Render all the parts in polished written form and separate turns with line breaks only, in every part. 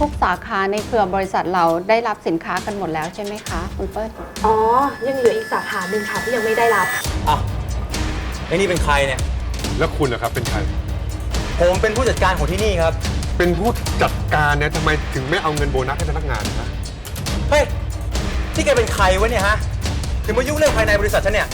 ทุกสาขาในเครือบริษัทเราได้รับสินค้ากันหมดแล้วใช่ไหมคะคุณเปิ้ล
อ๋อยังเหลืออีกสาขาหนึ่งค่ะที่ยังไม่ได้รับ
อ่ะไอ้นี่เป็นใครเนี่ย
แล้วคุณนะครับเป็นใคร
ผมเป็นผู้จัดการของที่นี่ครับ
เป็นผู้จัดการเนี่ยทำไมถึงไม่เอาเงินโบนัสให้พนักงานนะ
เฮ้ยที่แกเป็นใครวะเนี่ยฮะถึงมายุ่งเรื่องภายในบริษัทฉันเนี่ย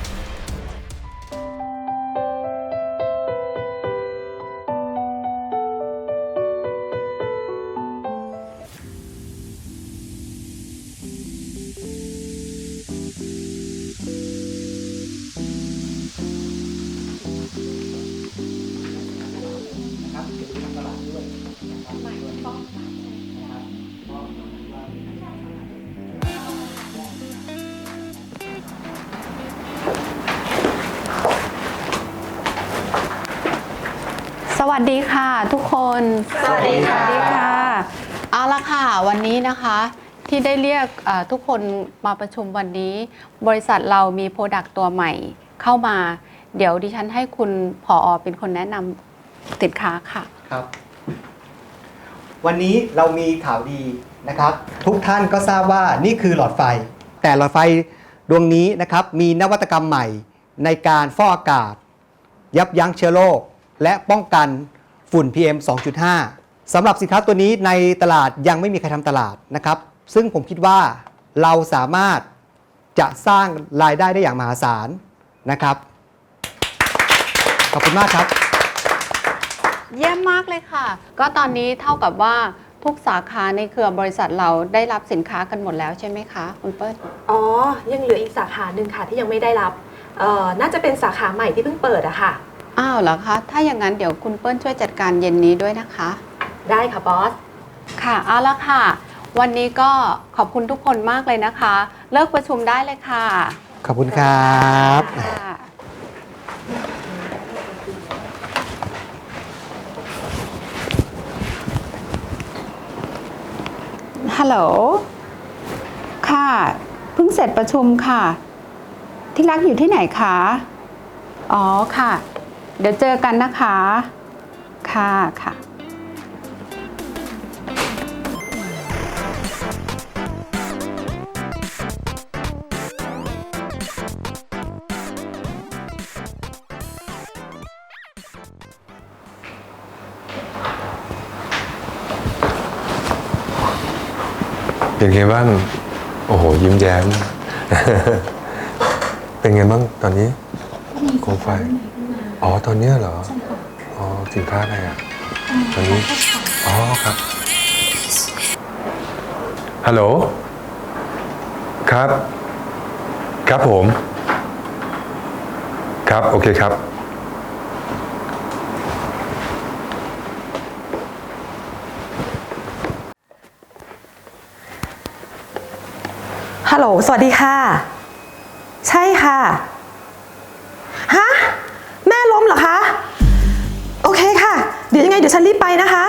สวัสดีค่ะทุกคน
สวัสดีค่ะ
เอาละค่ะวันนี้นะคะที่ได้เรียกทุกคนมาประชุมวันนี้บริษัทเรามีโปรดักต์ตัวใหม่เข้ามาเดี๋ยวดิฉันให้คุณผอ.เป็นคนแนะนำสินค้าค่ะ
ครับวันนี้เรามีข่าวดีนะครับทุกท่านก็ทราบว่านี่คือหลอดไฟแต่หลอดไฟดวงนี้นะครับมีนวัตกรรมใหม่ในการฟอกอากาศยับยั้งเชื้อโรคและป้องกันฝุ่น PM 2.5 สำหรับสินค้าตัวนี้ในตลาดยังไม่มีใครทำตลาดนะครับซึ่งผมคิดว่าเราสามารถจะสร้างรายได้ได้อย่างมหาศาลนะครับขอบคุณมากครับ
เยี่ยมมากเลยค่ะก็ตอนนี้เท่ากับว่าทุกสาขาในเครือบริษัทเราได้รับสินค้ากันหมดแล้วใช่ไหมคะคุณเปิ้ล
อ๋อยังเหลืออีกสาขาหนึ่งค่ะที่ยังไม่ได้รับน่าจะเป็นสาขาใหม่ที่เพิ่งเปิดอะค่ะ
อ้าวเหรอคะถ้าอย่างนั้นเดี๋ยวคุณเปิ้ลช่วยจัดการเย็นนี้ด้วยนะคะ
ได้ค่ะบอส
ค่ะเอาละค่ะวันนี้ก็ขอบคุณทุกคนมากเลยนะคะเลิกประชุมได้เลยค่ะ
ขอบคุณครับ
ฮัลโหลค่ะเพิ่งเสร็จประชุมค่ะที่รักอยู่ที่ไหนคะอ๋อค่ะเดี๋ยวเจอกันนะคะค่ะค่ะ
เป็นไงบ้างโอ้โหยิ้มแย้ม เป็นไงบ้างตอนนี้โคมไฟอ๋อตอนนี้เหรออ๋อสินค้าอะไรอ่ะตอนนี้อ๋อครับฮัลโหลครับครับผมครับโอเคครับ
ฮัลโหลสวัสดีค่ะใช่ค่ะฮะแม่ล้มเหรอคะโอเคค่ะเดี๋ยวยังไงเดี๋ยวฉันรีบไปนะคะ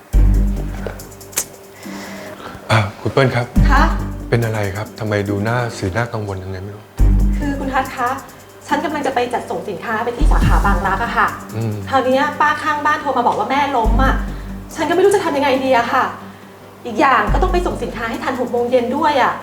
คุณเปิ้ลครับ
คะ
เป็นอะไรครับทำไมดูหน้าสีหน้ากังวลยังไงไม่รู้
คือคุณทัศน์คะฉันกำลังจะไปจัดส่งสินค้าไปที่สาขาบางรักอะค่ะคราวนี้ป้าข้างบ้านโทรมาบอกว่าแม่ล้มอะฉันก็ไม่รู้จะทำยังไงดีอะค่ะอีกอย่างก็ต้องไปส่งสินค้าให้ทัน6 โมงเย็นด้วยอะ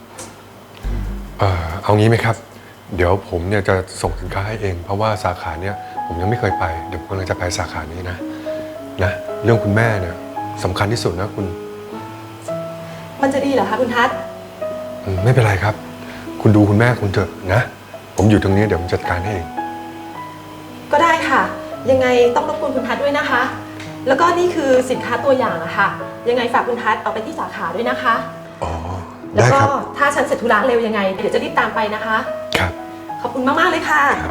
เอางี้ไหมครับเดี๋ยวผมเนี่ยจะส่งสินค้าให้เองเพราะว่าสาขาเนี้ยผมยังไม่เคยไปเดี๋ยวผมกำลังจะไปสาขานี้นะเรื่องคุณแม่เนี่ยสำคัญที่สุดนะคุณ
มันจะดีเหรอคะคุณทัศน์
ไม่เป็นไรครับคุณดูคุณแม่คุณเถอะนะผมอยู่ตรงนี้เดี๋ยวผมจัดการให้เอง
ก็ได้ค่ะยังไงต้องรบกวนคุณทัศน์ด้วยนะคะแล้วก็นี่คือสินค้าตัวอย่างอะค่ะยังไงฝากคุณทัศน์เอาไปที่สาขาด้วยนะคะ
อ๋อ
แล้วก็ถ้าฉันเสร็จธุระเร็วยังไงเดี๋ยวจะรีบตามไปนะคะ
ครับ
ขอบคุณมากๆเลยค่ะ
ครับ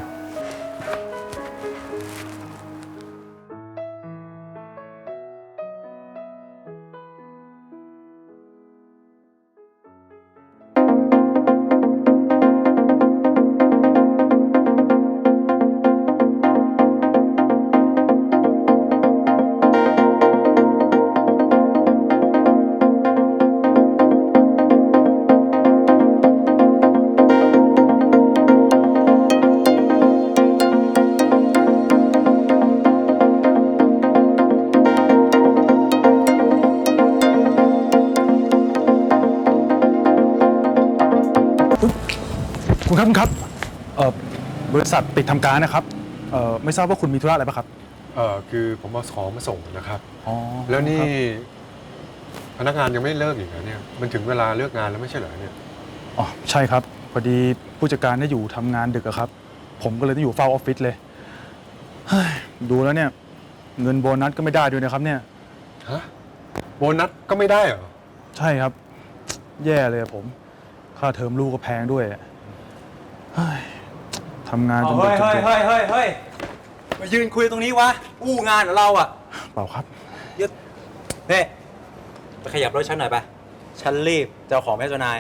คุณครับบริษัทปิดทำการนะครับไม่ทราบว่าคุณมีธุระอะไรปะครับ
คือผมเอาของมาส่งนะครับ
อ๋อ
แล้วนี่
ครับ
พนักงานยังไม่เลิกอีกนะเนี่ยมันถึงเวลาเลิกงานแล้วไม่ใช่เหรอเนี่ย
อ๋อใช่ครับพอดีผู้จัดการได้อยู่ทำงานดึกอะครับ ผมก็เลยต้องอยู่เฝ้าออฟฟิศเลยเฮ้ยดูแล้วเนี่ยเงินโบนัสก็ไม่ได้ด้วยนะครับเนี่ย
ฮะโบนัสก็ไม่ได้เหรอ
ใช่ครับ แย่เลยอะผมค่าเทอมลูกก็แพงด้วยอะเฮ้ยทำงานจนดึกจน
เฮ้ยมายืนคุยตรงนี้วะ อู้งานของเราอ่ะ
เปล่าครับ
ยึดนี่ไปขยับรถฉันหน่อยไป ฉันรีบจะเอาของแม่เจ้านาย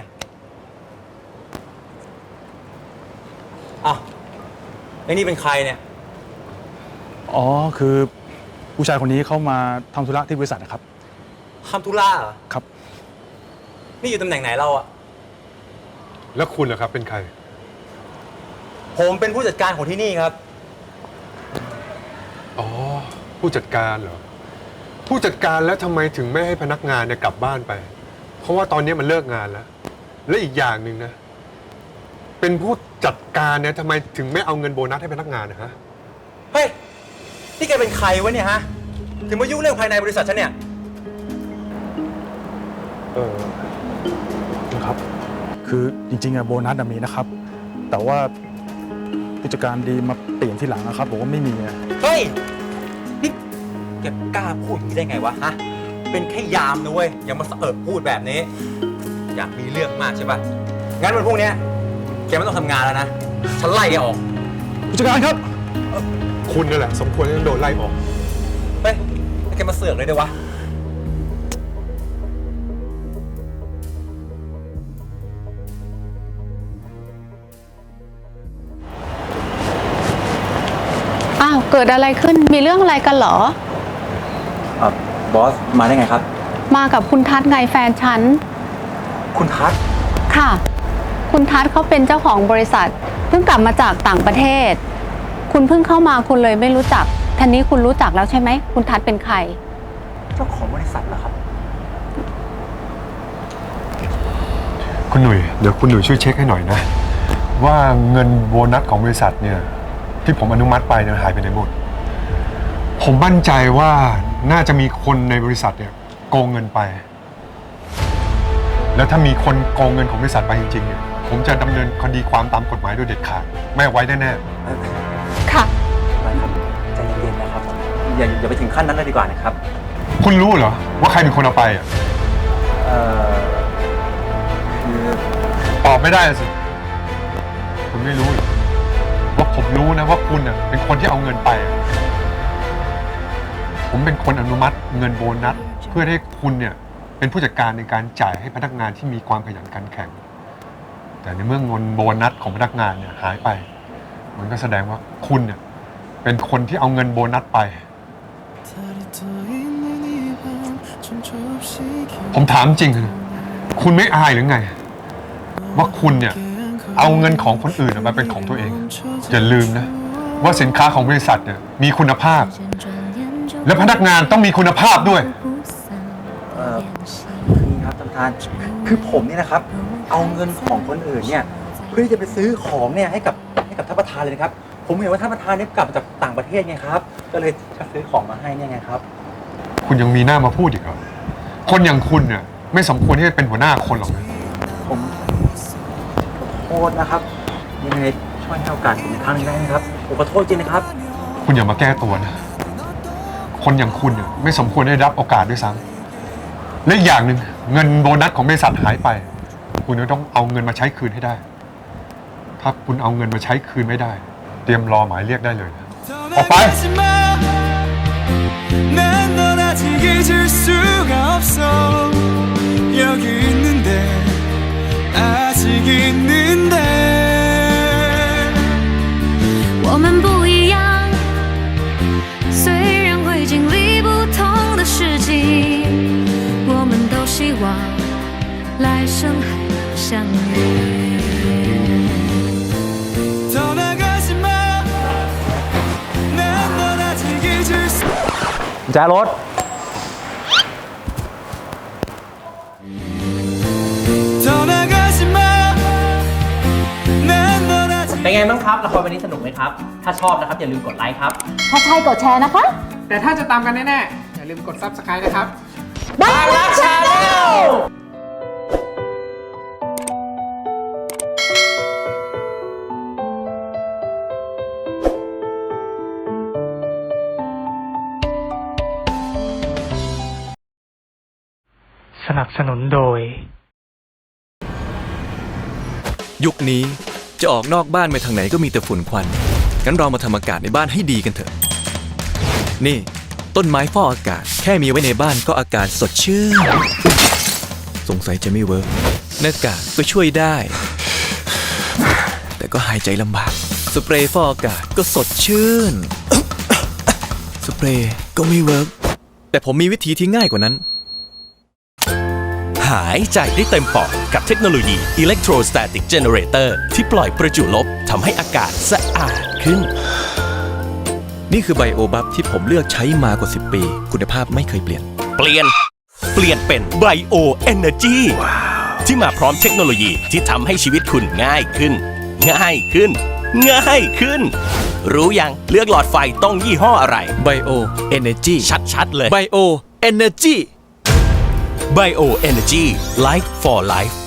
อ้าวไอ้นี่เป็นใครเนี่ย
อ๋อคือผู้ชายคนนี้เข้ามาทำธุระที่บริษัทนะครับ
ทำธุระเหรอ
ครับ
นี่อยู่ตำแหน่งไหนเราอ่ะ
แล้วคุณล่ะครับเป็นใคร
ผมเป็นผู้จัดการของที่นี่ครับ
อ๋อผู้จัดการเหรอผู้จัดการแล้วทำไมถึงไม่ให้พนักงานเนี่ยกลับบ้านไป เพราะว่าตอนนี้มันเลิกงานแล้ว และอีกอย่างหนึ่งนะเป็นผู้จัดการเนี่ยทำไมถึงไม่เอาเงินโบนัสให้พนักงานนะฮะ
เฮ้ย นี่แกเป็นใครวะเนี่ยฮะ ถึงมายุ่งเรื่องภายในบริษัทฉันเนี่ย
คุณครับ คือจริงๆอะโบนัสมีนะครับ แต่ว่าผู้จัดการดีมาเปลี่ยนที่หลังนะครับบอกว่าไม่มีอะ
เฮ้ย นี่แกกล้าพูดอย่างนี้ได้ไงวะ ฮะ เป็นแค่ยามนะเว้ย อย่ามาสะเอิบพูดแบบนี้ อยากมีเรื่องมากใช่ปะงั้นวันพรุ่งนี้แกไม่ต้องทำงานแล้วนะ ฉันไล่แกออก
ผู้จัดการครับ
คุณนั่นแหละสมควรที่จะโดนไล่ออก
เฮ้ยแล้วแกมาเสือกเลยด้วยวะ
อ้าวเกิดอะไรขึ้นมีเรื่องอะไรกันเหรอ
บอส มาได้ไงครับ
มากับคุณทัศน์ไงแฟนฉัน
คุณทัศน์
ค่ะ คุณทัศน์เขาเป็นเจ้าของบริษัท เพิ่งกลับมาจากต่างประเทศ คุณเพิ่งเข้ามาคุณเลยไม่รู้จักทีนี้คุณรู้จักแล้วใช่ไหมคุณทัศน์เป็นใคร
เจ้าของบริษัทเหรอครับ
คุณหนุ่ยเดี๋ยวคุณหนุ่ยช่วยเช็คให้หน่อยนะ ว่าเงินโบนัสของบริษัทเนี่ยที่ผมอนุมัติไปเนี่ยหายไปไหนหมด ผมมั่นใจว่าน่าจะมีคนในบริษัทเนี่ยโกงเงินไป แล้วถ้ามีคนโกงเงินของบริษัทไปจริงๆเนี่ยผมจะดำเนินคดีความตามกฎหมายโดยเด็ดขาดไม่เอาไว้แน่
ค่ะ
ไม่ครับ ใจเย็นๆนะครับ อย่าไปถึงขั้นนั้นเลยดีกว่านะครับ
ๆคุณรู้เหรอว่าใครเป็นคนเอาไปอ่ะ
คือ
ตอบไม่ได้สิคุณไม่รู้เหรอว่าผมรู้นะว่าคุณเนี่ยเป็นคนที่เอาเงินไปอะผมเป็นคนอนุมัติเงินโบนัสเพื่อให้คุณเนี่ยเป็นผู้จัดการในการจ่ายให้พนักงานที่มีความขยันขันแข็ง แต่ในเมื่อเงินโบนัสของพนักงานเนี่ยหายไป มันก็แสดงว่าคุณเนี่ยเป็นคนที่เอาเงินโบนัสไป ผมถามจริงนะคุณไม่อายหรือไง ว่าคุณเนี่ยเอาเงินของคนอื่นมาเป็นของตัวเอง อย่าลืมนะว่าสินค้าของบริษัทเนี่ยมีคุณภาพ และพนักงานต้องมีคุณภาพด้วย
นี่ครับท่านประธานคือผมเนี่ยนะครับ เอาเงินของคนอื่นเนี่ยเพื่อที่จะไปซื้อของเนี่ยให้กับท่านประธานเลยนะครับ ผมเห็นว่าท่านประธานเนี่ยกลับมาจากต่างประเทศไงครับ ก็เลยจะซื้อของมาให้เนี่ยไงครับ
คุณยังมีหน้ามาพูดอีกเหรอคนอย่างคุณเนี่ยไม่สมควรที่จะเป็นหัวหน้าคนหรอกนะ
ผมขอโทษนะครับยังไงช่วยให้โอกาสผมอีกครั้งหนึงได้ไหมครับผมขอโทษจริงนะครับ
คุณอย่ามาแก้ตัวนะคนอย่างคุณเนี่ยไม่สมควรได้รับโอกาสด้วยซ้ำและอีกอย่างหนึ่งเงินโบนัสของบริษัทหายไป คุณจะต้องเอาเงินมาใช้คืนให้ได้ ถ้าคุณเอาเงินมาใช้คืนไม่ได้ เตรียมรอหมายเรียกได้เลยนะออกไป
난 널 아직 잊을 수가 없어 여기 있는데 아직 있는데
我们不一样，虽然会经历不同的事情，我们都希望来生还能相遇。
더 나가지 마 난 널 아직 잊을 수
กุญแจรถ
더 나가지 마 난 널
ไงบ้างครับละครวันนี้สนุกไหมครับ ถ้าชอบนะครับอย่าลืมกดไลค์ครับ
ถ้าใช่กดแชร์นะคะ
แต่ถ้าจะตามกันแน่ๆ อย่าลืมกด Subscribe นะครับ
บางรักชาแนล
สนับสนุนโดย
ยุคนี้จะออกนอกบ้านไปทางไหนก็มีแต่ฝุ่นควัน งั้นเรามาทำอากาศในบ้านให้ดีกันเถอะ นี่ต้นไม้ฟอกอากาศแค่มีไว้ในบ้านก็อากาศสดชื่น สงสัยจะไม่เวิร์กหน้ากากก็ช่วยได้ แต่ก็หายใจลำบาก สเปรย์ฟอกอากาศก็สดชื่น สเปรย์ก็ไม่เวิร์กแต่ผมมีวิธีที่ง่ายกว่านั้น
หายใจได้เต็มปอดกับเทคโนโลยี Electrostatic Generator ที่ปล่อยประจุลบทำให้อากาศสะอาดขึ้น
นี่คือไบโอบัฟที่ผมเลือกใช้มากว่า 10 ปี คุณภาพไม่เคยเปลี่ยน
เปลี่ยนเป็น Bio Energy ที่มาพร้อมเทคโนโลยีที่ทำให้ชีวิตคุณง่ายขึ้น รู้ยังเลือกหลอดไฟต้องยี่ห้ออะไร
Bio Energy
ชัดๆเลย
Bio Energy
Bio Energy Light for Life